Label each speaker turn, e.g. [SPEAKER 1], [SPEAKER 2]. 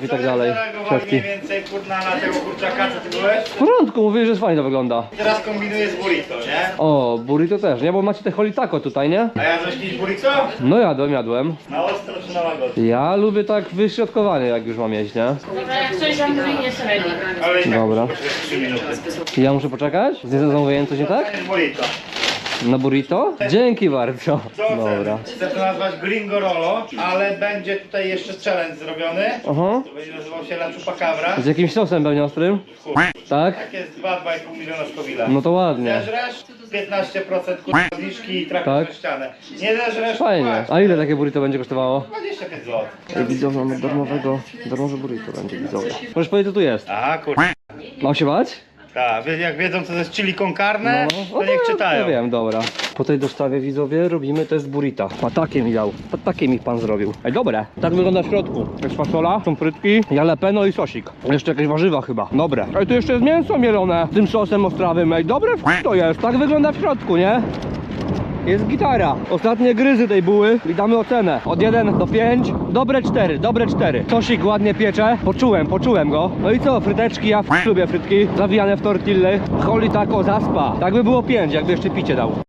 [SPEAKER 1] i tak dalej.
[SPEAKER 2] Zareagowali mniej więcej kurna na tego kurczaka, co ty byłeś?
[SPEAKER 1] W porządku, mówię, że fajnie to wygląda.
[SPEAKER 2] Teraz kombinuję z burrito, nie?
[SPEAKER 1] O, burrito też, nie? Bo macie te holitako tutaj, nie?
[SPEAKER 2] A ja coś kiedyś burrito?
[SPEAKER 1] No jadłem.
[SPEAKER 2] Na ostro czy na łagodnie?
[SPEAKER 1] Ja lubię tak wyśrodkowanie, jak już mam jeść, nie?
[SPEAKER 3] Dobra, jak coś zamówi, jest ready.
[SPEAKER 2] Ale i tak
[SPEAKER 1] Dobra.
[SPEAKER 2] muszę poczekać 3 minuty.
[SPEAKER 1] Ja muszę poczekać? Z zamówieniem coś nie tak?
[SPEAKER 2] To jest burrito.
[SPEAKER 1] Na burrito? Dzięki bardzo.
[SPEAKER 2] Co
[SPEAKER 1] Dobra.
[SPEAKER 2] chcę to nazwać Gringo Rolo, ale będzie tutaj jeszcze challenge zrobiony.
[SPEAKER 1] Aha.
[SPEAKER 2] To będzie nazywał się La Chupacabra.
[SPEAKER 1] Z jakimś sosem pewnie ostrym?
[SPEAKER 2] Chuj.
[SPEAKER 1] Tak?
[SPEAKER 2] Tak jest 2,5 miliona Scoville'a.
[SPEAKER 1] No to ładnie.
[SPEAKER 2] Zeżresz 15% kurwa zniżki i trafisz
[SPEAKER 1] Tak.
[SPEAKER 2] na ścianę. Nie zeżresz,
[SPEAKER 1] Fajnie.
[SPEAKER 2] płać.
[SPEAKER 1] A ile takie burrito będzie kosztowało?
[SPEAKER 2] 25 zł.
[SPEAKER 1] Widzowie, mamy darmowe burrito będzie, widzowie. Możesz powiedzieć, co tu jest?
[SPEAKER 2] A kurwa.
[SPEAKER 1] Mam się bać?
[SPEAKER 2] Tak, jak wiedzą co to jest chili con carne, to niech czytają.
[SPEAKER 1] Ja wiem, dobra. Po tej dostawie, widzowie, robimy test burrita. A takie mi dał. A takie mi pan zrobił. Ej, dobre. Tak wygląda w środku. Jest fasola, są frytki, jalapeno i sosik. Jeszcze jakieś warzywa chyba. Dobre. Ej, tu jeszcze jest mięso mielone tym sosem ostrawym. Ej, dobre to jest. Tak wygląda w środku, nie? Jest gitara. Ostatnie gryzy tej buły i damy ocenę. Od 1 do 5. Dobre 4, dobre 4. Sosik ładnie piecze. Poczułem go. No i co? Fryteczki, ja lubię frytki. Zawijane w tortilly. Holi taco zaspa. Tak by było 5, jakby jeszcze picie dał.